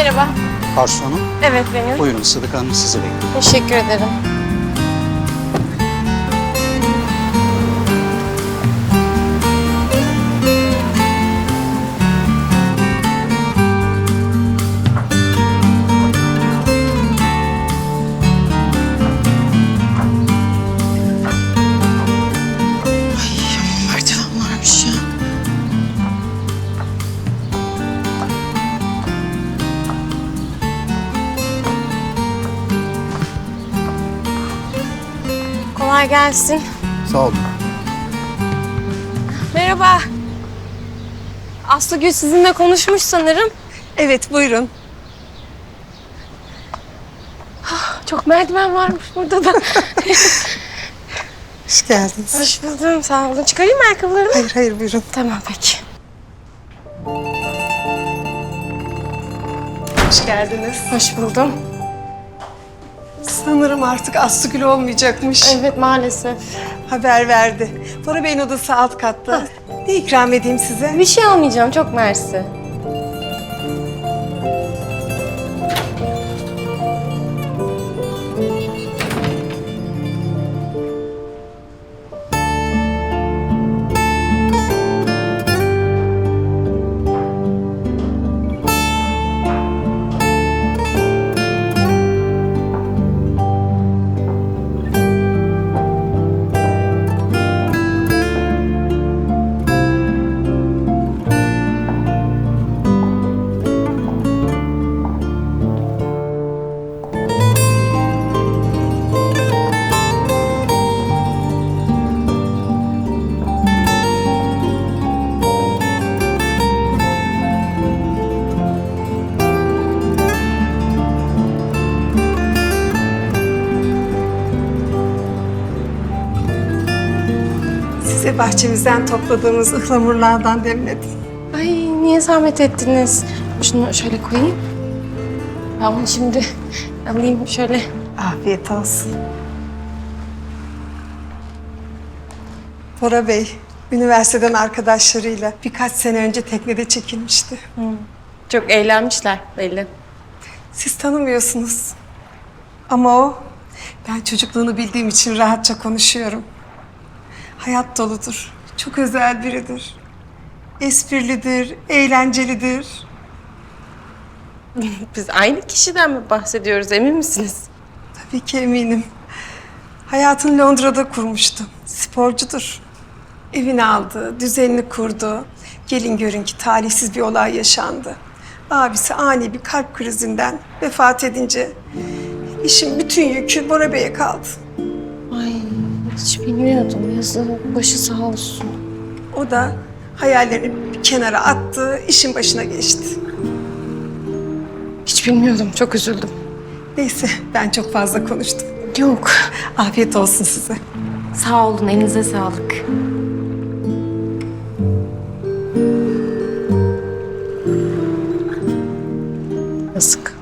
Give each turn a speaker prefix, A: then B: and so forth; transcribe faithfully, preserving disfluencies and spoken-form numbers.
A: Merhaba.
B: Arzu Hanım,
A: Evet benim.
B: buyurun Sıdıka Hanım sizi bekliyor.
A: Teşekkür ederim.
C: Merdiven varmış ya.
A: Kolay gelsin.
B: Sağ olun.
A: Merhaba. Aslıgül sizinle konuşmuş sanırım.
C: Evet, buyurun.
A: Çok merdiven varmış burada da.
C: Hoş geldiniz.
A: Hoş buldum. Sağ olun. Çıkarayım mı ayakkabılarımı?
C: Hayır, hayır, buyurun.
A: Tamam peki.
C: Hoş geldiniz.
A: Hoş buldum.
C: Sanırım artık Aslıgül olmayacakmış.
A: Evet maalesef.
C: Haber verdi. Bora Bey'in odası alt katta. Ne ikram edeyim size?
A: Bir şey almayacağım. Çok mersi.
C: Size bahçemizden topladığımız ıhlamurlardan demledim.
A: Ay niye zahmet ettiniz? Şunu şöyle koyayım. Ben bunu şimdi alayım şöyle.
C: Afiyet olsun. Bora Bey, üniversiteden arkadaşlarıyla birkaç sene önce teknede çekilmişti.
A: Çok eğlenmişler belli.
C: Siz tanımıyorsunuz. Ama o, ben çocukluğunu bildiğim için rahatça konuşuyorum. Hayat doludur, çok özel biridir. Esprilidir, eğlencelidir.
A: Biz aynı kişiden mi bahsediyoruz emin misiniz?
C: Tabii ki eminim. Hayatını Londra'da kurmuştu. Sporcudur. Evini aldı, düzenini kurdu. Gelin görün ki talihsiz bir olay yaşandı. Abisi ani bir kalp krizinden vefat edince işin bütün yükü Bora Bey'e kaldı.
A: Ay hiç bilmiyordum yazık. Başı sağ olsun.
C: O da hayallerini bir kenara attı, işin başına geçti.
A: Hiç bilmiyordum. Çok üzüldüm.
C: Neyse, ben çok fazla konuştum.
A: Yok.
C: Afiyet olsun size.
A: Sağ olun. Elinize sağlık. Yazık.